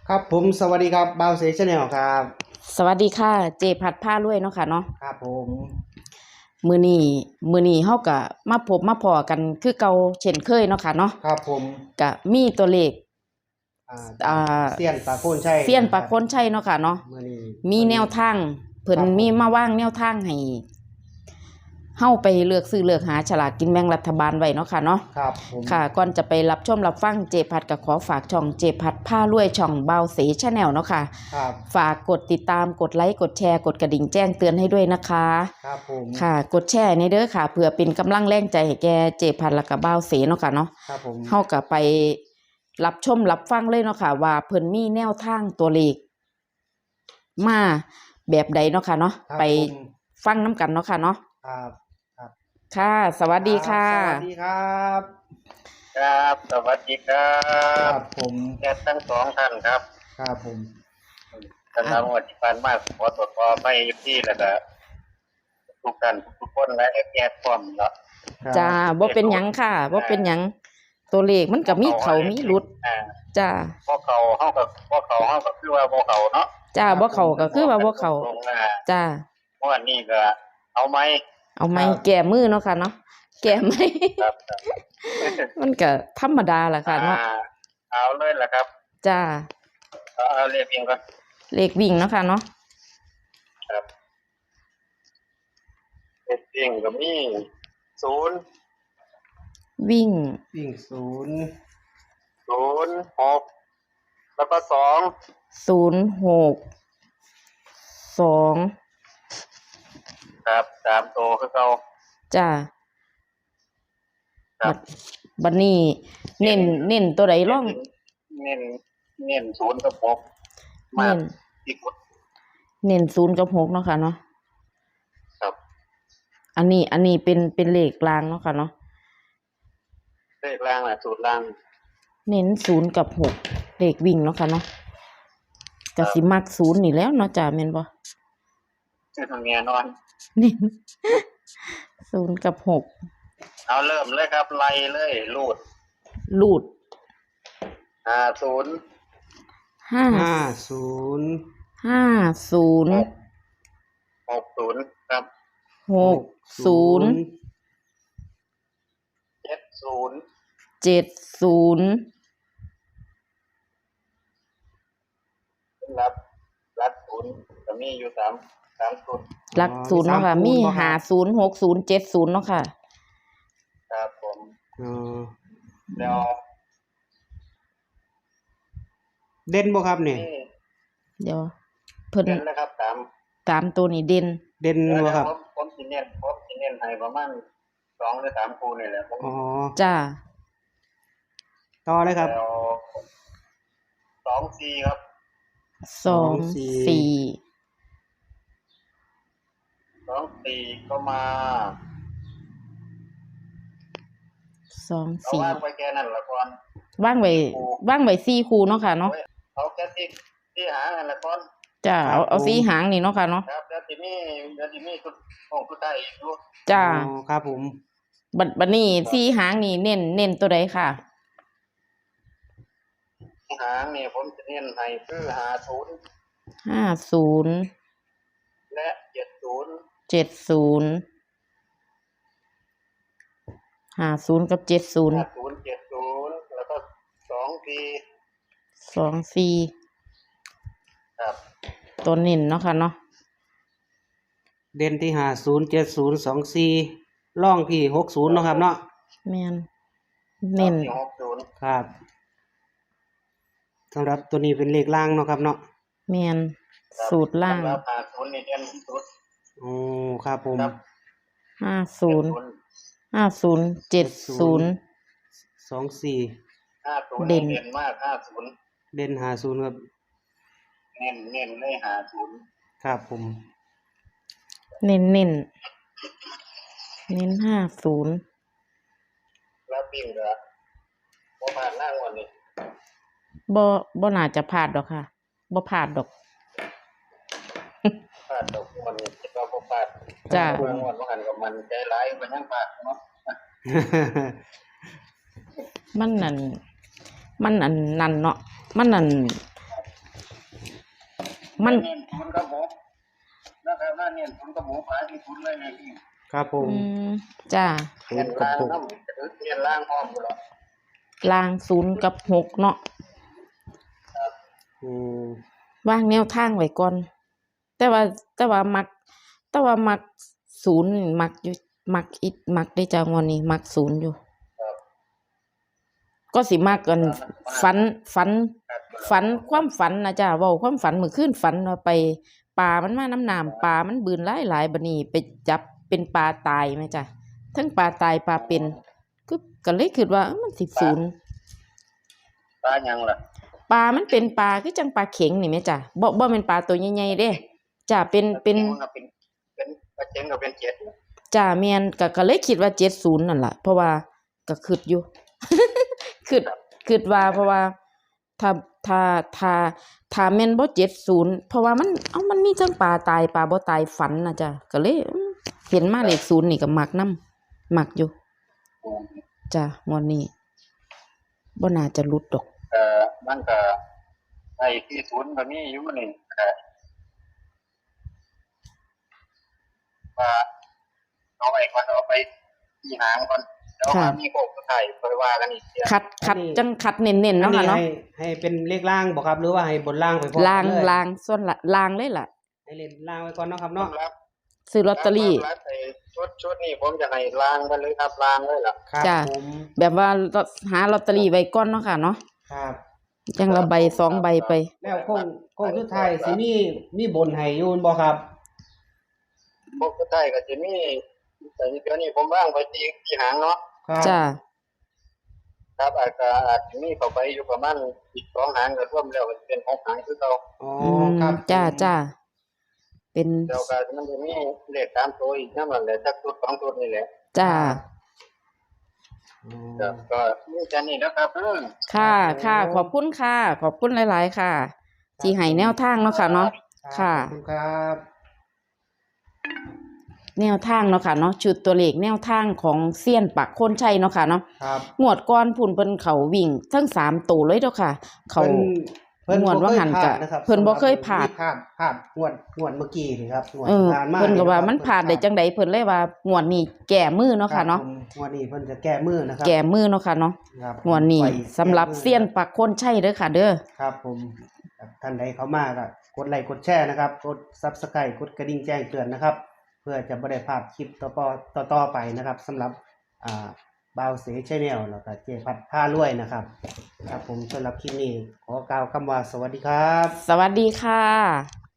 ครับผมสวัสดีครับบ่าวเซชแนลครับสวัสดีค่ะเจพัดผ้ารวยเนาะค่ะเนาะครับผมมื้อนี้เฮาก็มาพบมาพ้อกันคือเก่าเช่นเคยเนาะค่ะเนาะครับผมก็มีตัวเลขจากอ่าเซียนปลาโคนชัยเซียนปากคนชัยเนาะค่ะเนาะมื้อนี้มีแนวทางเพิ่นมีมาว่างแนวทางให้เฮาไปเลือกซื้อเลือกหาฉลากกินแบ่งรัฐบาลไว้เนาะค่ะเนาะครับผมค่ะก่อนจะไปรับชมรับฟังเจพัดก็ขอฝากช่องเจพัดผ้ารวยช่องบ่าวเสชแนลเนาะค่ะครับฝากกดติดตามกดไลค์กดแชร์กดกระดิ่งแจ้งเตือนให้ด้วยนะคะครับผมค่ะกดแชร์ในเด้อค่ะเพื่อเป็นกำลังแรงใจให้แกเจพัดและก็บ่าวเสเนาะค่ะเนาะครับผมเฮาก็ไปรับชมรับฟังเลยเนาะค่ะว่าเพิ่นมีแนวทางตัวเลขมาแบบใดเนาะค่ะเนาะไปฟังน้ำกันเนาะค่ะเนาะครับครับค่ะสวัสดีค่ะสวัสดีครับครับสวัสดีครัครับบผมแกทั้งสองท่านครับครับผมสำหรับวันที่ผ่านมาขอตรวจสอบไปที่แล้วก็ทุกท่านทุกคนและแก้พร้อมแล้วจ้าบ่เป็นหยังค่ะบ่เป็นหยังตัวเลขมันก็มีเขามีหลุดจ้าพวกเขาเฮาก็คือว่าบ่เขาเนาะจ้าบ่เขาก็คือว่าบ่เขาจ้าวันนี้ก็เอาไหมเอาไม้แก้มือเนาะค่ะเนาะแก้ไม้ครับมันก็ธรรมดาแหละค่ะเนาะเอาเลยล่ะครับจ้าเอาเรียกเองก่อนเลขวิ่งเนาะค่ะเนาะครับเรียกเองก็มี0 วิ่งวิ่ง 6แล้วก็ 06 2 ครับ3ตัวคือเก่าจ้าครับบัดนี้เน้นตัวใดร่องเน้น0กับ6มาที่กดเน้น0กับ6เนาะค่ะเนาะครับอันนี้เป็นเลขกลางเนาะค่ะเนาะเลขล่างน่ะสูตรล่างเน้น0กับ6เลขวิ่งเนาะค่ะเนาะก็สิมัก0นี่แล้วเนาะจ้าแม่นบ่คือทางแน่นอนเน้น0กับ6 เอาเริ่มเลยครับไล่เลยลูด50 50 50 60ครับ 60 70 70 รับ0ก็มีอยู่3ชุดหลัก0เนาะค่ะมี50 60 70เนาะค่ะครับผมแล้วเด่นบ่ครับนี่เดี๋ยวเพิ่นเด่นนะครับ 3ตัวนี้เด่นบ่ครับผมสิเน้นให้ประมาณ2หรือ3คู่นี่แหละผมอ๋อจ้าต่อเลยครับแล้ว2-4ครับ 2-4 ก็มา 2-4 วางไว้แค่นั้นละก่อนวางไว้4คู่เนาะค่ะเนาะเอาแค่ที่หางนั่นละก่อนจ้าเอา4หางนี่เนาะค่ะเนาะครับแล้วทีนี้สุดท้ายอีกอยู่จ้าครับผมบัดนี้4หางนี่เน้นตัวใดค่ะหางนี่ผมจะเน้นให้คือ 50 และ 70 50กับ70 แล้วก็ 2-4 ครับตัวเน้นเนาะค่ะเนาะเด่นที่50 70 24ร่องที่60เนาะครับเนาะแม่นเน้น 60 ครับสำหรับตัวนี้เป็นเลขล่างเนาะครับเนาะแม่นสูตรล่าง 50นี่เด่นที่สุดโอ้ครับผม 50 70 24 เด่นมาก50 เด่น50ครับเน้นเลย50 ครับผมเน้น50 แล้วปิ้งก็บ่ผ่านหน้างวดนี้บ่น่าจะพลาดดอกค่ะบ่พลาดดอกพลาดดอกงวดนี้คิดว่าบ่พลาดจ้างวดบ่หันก็มันใจหลายมันยังพลาดเนาะมันนั่นเนาะมันนั่นมันเน้นศูนย์กับหกนะครับน่าเน้นศูนย์กับหกหลายที่ศูนย์เลยนะพี่ครับผมจ้าศูเน้นนย์กับล่างหกน้ำจะเน้นล่างพร้อมหมดแล้วลาง0กับ6เนาะอืมวางแนวทางไว้ก่อน แต่ว่ามัก0นี่มักอยู่มักได้จ้างวดนี้มัก0อยู่ครับก็สิมักกันฝันความฝันนะจ้าเว้าความฝันมื้อคืนฝันว่าไปปลามันมาน้ำน้ำปลามันบืนหลายๆบัดนี้ไปจับเป็นปลาตายแม่จ้ะทั้งปลาตายปลาเป็นก็เลยคิดว่ามันสิศูนย์ปลายังล่ะปลามันเป็นปลาคือจังปลาเข็งนี่แม่จ้ะบ่แม่นปลาตัวใหญ่ๆเด้จ้ะเป็นปลาเข็งก็เป็นเจ็ดจ้ะแม่นก็เลยคิดว่า70นั่นล่ะเพราะว่าก็คิดอยู่ คิดว่าเพราะว่าถ้าแม่นบ่70เพราะว่ามันมีทั้งปลาตายปลาบ่ตายฝันนะจ้ะก็เลยเห็นมาเลข0นี่ก็มักนำมักอยู่จ้ะงวดนี้บ่น่าจะหลุดดอกมันก็ไอ้ที่ศูนย์ก็มีอยู่นี่ว่าเอาไปก่อนเอาไปที่หางก่อนแล้วมีโคกสุดท้ายค่อยว่ากันอีกทีคัดจังคัดเน้นๆอันเนาะนี้ค่ะเนาะให้เป็นเลขล่างบ่ครับหรือว่าให้บนล่างไปพร้อมลางกันเลยลางส่วนละลางเลยล่ะให้เล่นล่างไว้ก่อนเนาะครับเนาะรับซื้อลอตเตอรี่ไอ้ชุดนี้ผมจะให้ล้างไปเลยครับล้างเลยล่ะครับจ้ะผมแบบว่าหาลอตเตอรี่ไว้ก่อนเนาะค่ะเนาะครับจังละใบ2ใบไปแล้วโค้งสุดท้ายสิมีบนให้อยู่บ่ครับพวกสุดท้ายก็จะมีแต่เดี๋ยวนี้ผมว่างไปที่หางเนาะครับจ้าครับอาจจะมีเข้าไปอยู่ประมาณอีก2หางก็รวมแล้วก็เป็น6หางคือเราอ๋อครับจ้าเป็นเดี๋ยวก็มันจะมีเลข3ตัวอีกนั่นแหละสักชุด2ชุดนี่แหละจ้าอ๋อครับก็มีแค่นี้นะครับค่ะขอบคุณค่ะ ขอบคุณหลายๆค่ะ ที่ให้แนวทางเนาะค่ะเนาะ ค่ะขอบคุณครับแนวทางเนาะค่ะเนาะชุดตัวเลขแนวทางของเซียนปักโคนชัยเนาะค่ะเนาะครับงวดก่อนพุ่นเพิ่นเขาวิ่งทั้ง3ตัวเลยเด้อค่ะ เขา งวดว่าหันกะเพิ่นบ่เคยพลาดพลาดงวดเมื่อกี้นี่ครับงวดเออผ่านมาเพิ่นก็ว่ามันผ่านได้จังไดเพิ่นเลยว่างวดนี้แก้มือเนาะค่ะเนาะรับผมงวดนี้เพิ่นจะแก้มือนะครับแก้มือเนาะค่ะเนาะครับงวดนี้ไปสำหรับเซียนปักโคนชัยเด้อค่ะ เด้อครับผมท่านใดเข้ามาก็กดไลค์กดแชร์นะครับกด Subscribe กดกระดิ่งแจ้งเตือนนะครับ เพื่อจะบ่ได้พลาดคลิปต่อไปนะครับสำหรับบ่าวเสชแนลแล้วก็เจพัดผ้ารวยนะครับ ครับผมสำหรับคลิปนี้ขอกล่าวคำว่าสวัสดีครับสวัสดีค่ะ